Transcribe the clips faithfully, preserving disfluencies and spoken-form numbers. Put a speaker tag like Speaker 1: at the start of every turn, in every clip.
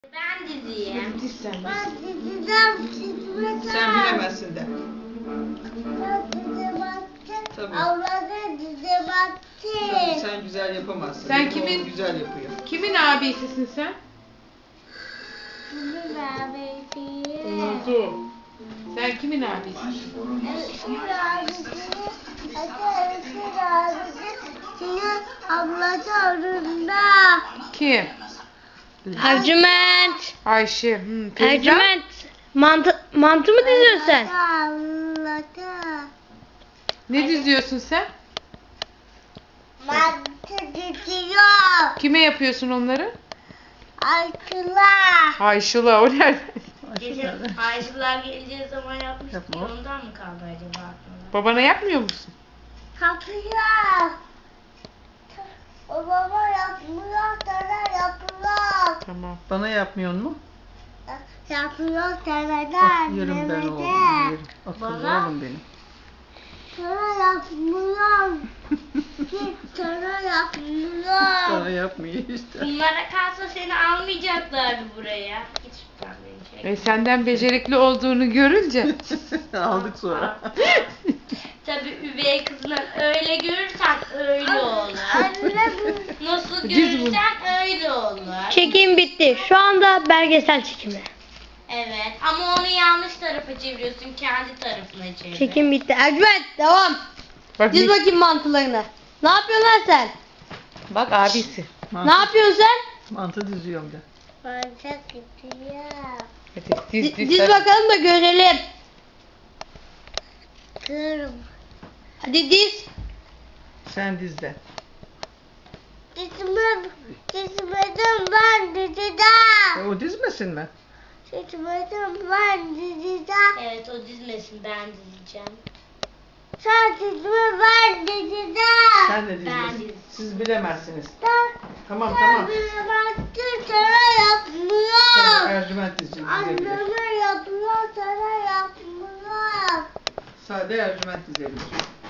Speaker 1: Ben diziyim.
Speaker 2: Diz sen.
Speaker 3: Ben diziden çizmeden.
Speaker 2: Sen bilemezsin de.
Speaker 3: Ben dize baktım.
Speaker 2: Tabii.
Speaker 3: Ablada dize
Speaker 2: Sen,
Speaker 3: baktım.
Speaker 2: sen güzel yapamazsın.
Speaker 4: Sen
Speaker 2: Benim
Speaker 4: kimin-
Speaker 2: oğlum güzel yapıyor.
Speaker 4: Kimin abisisin sen?
Speaker 3: Bunun abisi.
Speaker 4: Unuttum. Sen kimin abisisin?
Speaker 3: Öpür abisi. Öpür abisi. Senin ablası arında.
Speaker 4: Kim?
Speaker 5: Ercüment.
Speaker 4: Ayşe. Hmm, teyze.
Speaker 5: Ercüment. Mantı, mantı mı diziyorsun sen?
Speaker 3: Ablası.
Speaker 4: Ne diziyorsun sen?
Speaker 3: Mantı diziyor.
Speaker 4: Kime yapıyorsun onları?
Speaker 3: Arkılar.
Speaker 4: Ayşula o nerede?
Speaker 1: Geçen Ayşılar geleceği zaman yapmıştık.
Speaker 2: Yapma.
Speaker 1: Ondan mı kaldı acaba aklımda?
Speaker 4: Babana yapmıyor musun?
Speaker 3: Kapıyor. O baba yapmıyor, sana yapıyor.
Speaker 4: Tamam.
Speaker 2: Bana yapmıyor mu?
Speaker 3: Yapıyor sana da
Speaker 2: Ah yerim ben oğlum. Yerim. Akıllı
Speaker 1: Bana-
Speaker 2: oğlum benim.
Speaker 3: Sana yapmıyor. Git sana yapmıyor.
Speaker 2: Sana yapmıyor işte.
Speaker 1: Bunlara kalsa seni almayacaklardı buraya. Git şuradan beni çek.
Speaker 4: E, senden becerikli olduğunu görünce.
Speaker 2: Aldık sonra.
Speaker 1: Tabii üvey kızını öyle görürsen öyle olur.
Speaker 3: Anne bu.
Speaker 1: Nasıl
Speaker 4: Diz bu.
Speaker 1: görürsen öyle olur.
Speaker 5: Çekim bitti. Şu anda belgesel çekimi.
Speaker 1: Evet ama onu yanlış tarafa çeviriyorsun. Kendi tarafına çevir.
Speaker 5: Çekim bitti. Ercüment devam.
Speaker 4: Bak,
Speaker 5: Diz
Speaker 4: ne-
Speaker 5: bakayım mantılarını. Ne yapıyorsun lan sen?
Speaker 4: bak abisi.
Speaker 2: Mantı,
Speaker 5: Ne yapıyorsun sen?
Speaker 2: mantı diziyorum de.
Speaker 3: Bana gidiyor.
Speaker 4: Hadi diz
Speaker 5: Diz,
Speaker 4: diz.
Speaker 5: diz
Speaker 4: hadi.
Speaker 5: bakalım da görelim.
Speaker 3: Kırım.
Speaker 5: Hadi diz.
Speaker 2: Sen diz de.
Speaker 3: Dizime, dizmedim ben diziden.
Speaker 2: E, o dizmesin mi?
Speaker 3: Dizmedim ben diziden.
Speaker 1: Evet o dizmesin ben dizeceğim.
Speaker 3: Sen dizme ben diziden.
Speaker 2: Sen de
Speaker 1: Ben
Speaker 2: dizmesin.
Speaker 1: diz.
Speaker 2: Siz bilemezsiniz.
Speaker 3: Sen,
Speaker 2: Tamam
Speaker 3: sen
Speaker 2: tamam.
Speaker 3: bile baktın sana yapmıyor.
Speaker 2: Tamam Ercüment dizecek dizebilir.
Speaker 3: Anneme yapıyor sana yapmıyor.
Speaker 2: Sade Ercüment dizebilir.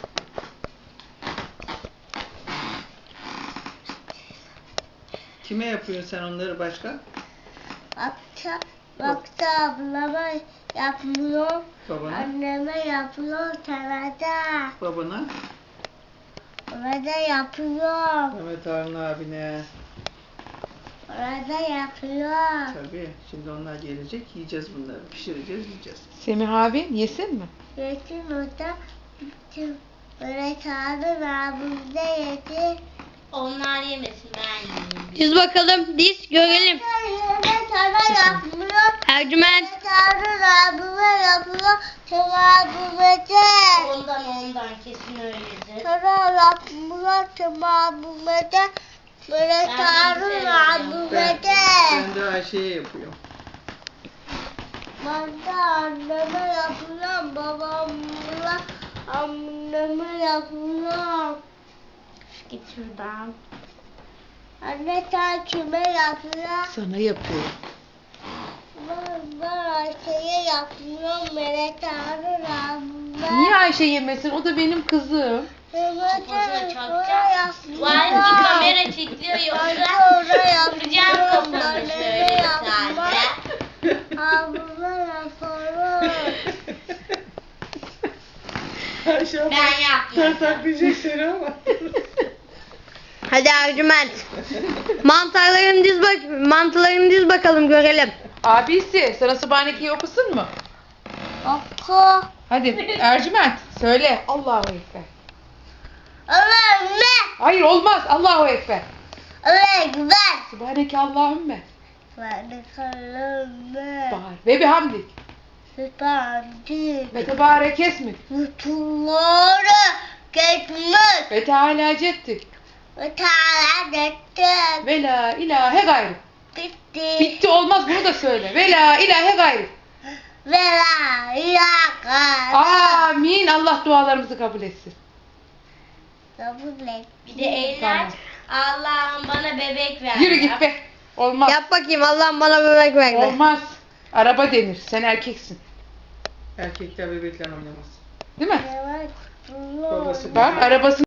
Speaker 2: Kime yapıyorsun sen onları başka?
Speaker 3: Bakta, bakta ablama yapmıyor.
Speaker 2: Babana.
Speaker 3: Anneme yapıyor sana da.
Speaker 2: Babana.
Speaker 3: Bana da yapıyor.
Speaker 2: Mehmet Harun abine.
Speaker 3: Bana da yapıyor.
Speaker 2: Tabii. Şimdi onlar gelecek. Yiyeceğiz bunları. Pişireceğiz, yiyeceğiz.
Speaker 4: Semih abi yesin mi?
Speaker 3: Yetim orada bütün böyle çağırır abimde yedi.
Speaker 1: Onlar yemesin ben yiyeyim.
Speaker 5: Diz bakalım. Diz görelim.
Speaker 3: Yine sana yapmıyor.
Speaker 5: Ercüment.
Speaker 3: Çağırır abime yapıyor. Sana abime de.
Speaker 1: Ondan ondan kesin öyledir.
Speaker 3: Sana yapmıyor. Sana abime de. Böyle
Speaker 1: Ben
Speaker 3: çağırır
Speaker 1: bilmiyorum.
Speaker 3: abime
Speaker 2: Ben,
Speaker 3: de.
Speaker 2: ben de Ayşe'ye yapıyorum.
Speaker 3: Ben de anneme yapıyorum. Babamla anneme yapıyorum.
Speaker 1: Git şuradan.
Speaker 3: Anne sen kime yapıyorsun?
Speaker 4: Sana yapıyor.
Speaker 3: Ben, ben Ayşe'ye yapıyorum. Melek ağrır abime.
Speaker 4: Niye Ayşe yemesin? O da benim kızım.
Speaker 3: Melek
Speaker 1: Kafasına
Speaker 3: ağrır
Speaker 1: çarpacağım.
Speaker 3: yapıyorum.
Speaker 1: Var kamera çekiliyor
Speaker 3: Ben
Speaker 1: yoksa
Speaker 3: de oraya
Speaker 1: vuracağım
Speaker 3: yapıyorum.
Speaker 1: kafanı
Speaker 3: Anneme
Speaker 1: şöyle bir
Speaker 3: yapmam.
Speaker 1: tane.
Speaker 3: Abime yaparım.
Speaker 2: Ayşe abla
Speaker 1: Ben yapmadım.
Speaker 2: tartaklayacak seni ama.
Speaker 5: Hadi Ercüment. Mantarlarını diz bak mantılarını diz bakalım görelim.
Speaker 4: Abisi sana Subhaneke'yi okusun mu?
Speaker 3: Oku.
Speaker 4: Hadi Ercüment söyle. Allahu Ekber.
Speaker 3: Ömer'le.
Speaker 4: Hayır olmaz. Allahu Ekber.
Speaker 3: Ömer'le.
Speaker 4: Subhaneke Allahümme.
Speaker 3: Ben de kalırım.
Speaker 4: Bağır. Ve bihamdik.
Speaker 3: Süperdi.
Speaker 4: Ve tebarek esmik.
Speaker 3: Kutuları geçmiş.
Speaker 4: Ve teala cettik.
Speaker 3: Ve tane ettim.
Speaker 4: Ve la ilahe gayrı.
Speaker 3: Bitti.
Speaker 4: Bitti olmaz bunu da söyle. Ve la ilahe gayrı.
Speaker 3: Ve la ilahe.
Speaker 4: Amin. Allah dualarımızı kabul etsin.
Speaker 3: Kabul et.
Speaker 1: Bir de eller. Allah'ım bana bebek ver.
Speaker 4: Yürü git be. Olmaz.
Speaker 5: Yap bakayım Allah'ım bana bebek verdi.
Speaker 4: Olmaz. Araba denir. Sen erkeksin.
Speaker 2: Erkekler bebekler oynamaz.
Speaker 4: Değil mi?
Speaker 3: Evet.
Speaker 2: Babası
Speaker 4: Bak arabasını